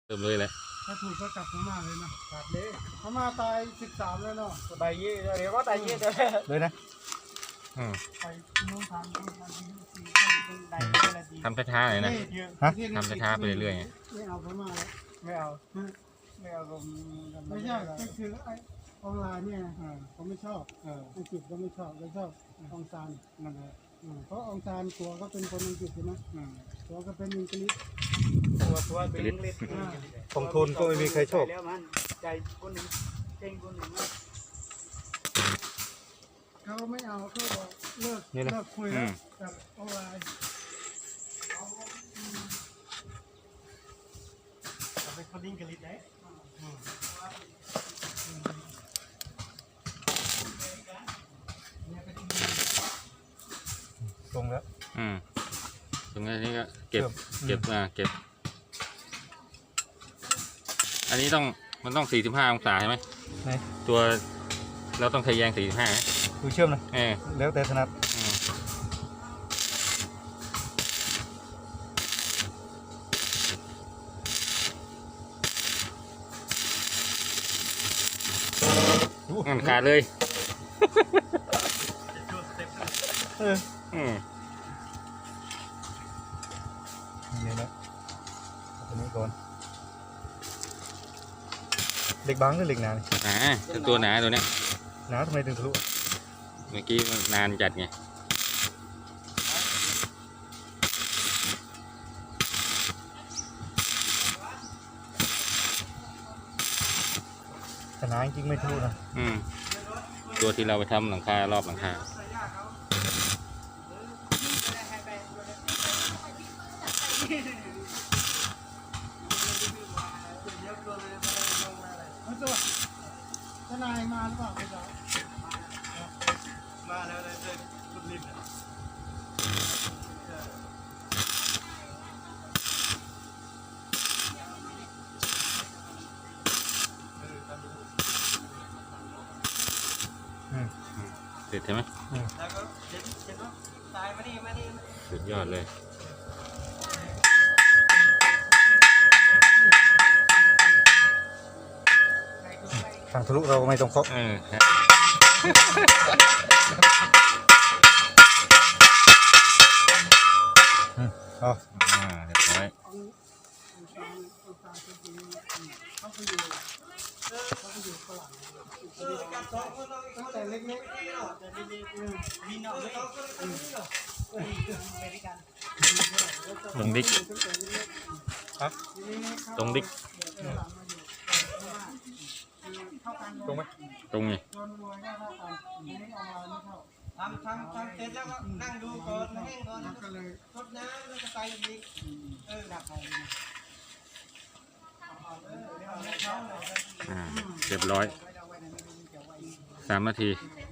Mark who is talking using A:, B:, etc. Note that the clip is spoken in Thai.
A: เริ่มเลยแหละ
B: ถ้าถูกก็กลับพม่าเลยนะกลับเลยพม่าตาย13แล้วเนาะ
C: ตายยี่เดี๋ยวก็ตายยี่
B: เลยนะ
C: ไปนู่นทำ
A: ทำช้าๆเลยนะทำช้าๆไปเรื่อยๆ
B: ไม่เอาพม่าแล้ว
C: ไม่เอาผม
B: ไม่ใช่ก็คือไอ้ออนไลน์เนี่ยเขาไม่ชอบอังกฤษก็ไม่ชอบเขาชอบองซานนั่นแหละเพราะองซานตัวก็เป็นคนอังกฤษใช่ไหมตัวก็เป็นอังกฤษ
C: ตัวเป็นอังกฤษ
B: ของทุนก็ไม่มีใครชอบ
C: แล้วมันใจคนหนึ่งเก่งคนหนึ่ง
B: เขาไม่เอาเขาบอกเลิกคุยแล้วกับออนไลน์
C: เป็นคนอังกฤษได้
B: ตรงแล้ว
A: ตรงนี้ก็เก็บอันนี้มันต้อง45องศาใช่ไหมตัวเราต้องทะแยง45
B: ดูเชื่อมนะแล้วแต่ถนัด
A: มันขาดเลย
B: นี่นะตัวนี้ก่อนเหล็กบางหรือเหล็กหนา
A: ตัวหนาตัวเนี้ย
B: หนาทำไมถึงทะลุ
A: เมื่อกี้มันนานจัดไง
B: แต่หนาจริงไม่ทะลุนะ
A: ตัวที่เราไปทำหลังคารอบหลังคา
B: ทนายมาหรือเปล่าพี่จ๊ะ
C: มาแล้วเลยคุณลิบ
A: เสร็จใช่ไหม
C: แล้วก็เจ็บตายมานี่
A: สุดยอดเลย
B: ทางทะลุเราไม่ต้องเคาะ
A: เรียบร้อย
B: ตั้งแต่เล็กๆ
A: ตรงดิกตรงไหมตรงไง
C: ทำเสร็จแล้วก็นั่งดูก่อนแห้งก่อนก็เลยรดน้ำแล้วก็ใส่อีกดับไป
A: เรียบร้อย3 นาที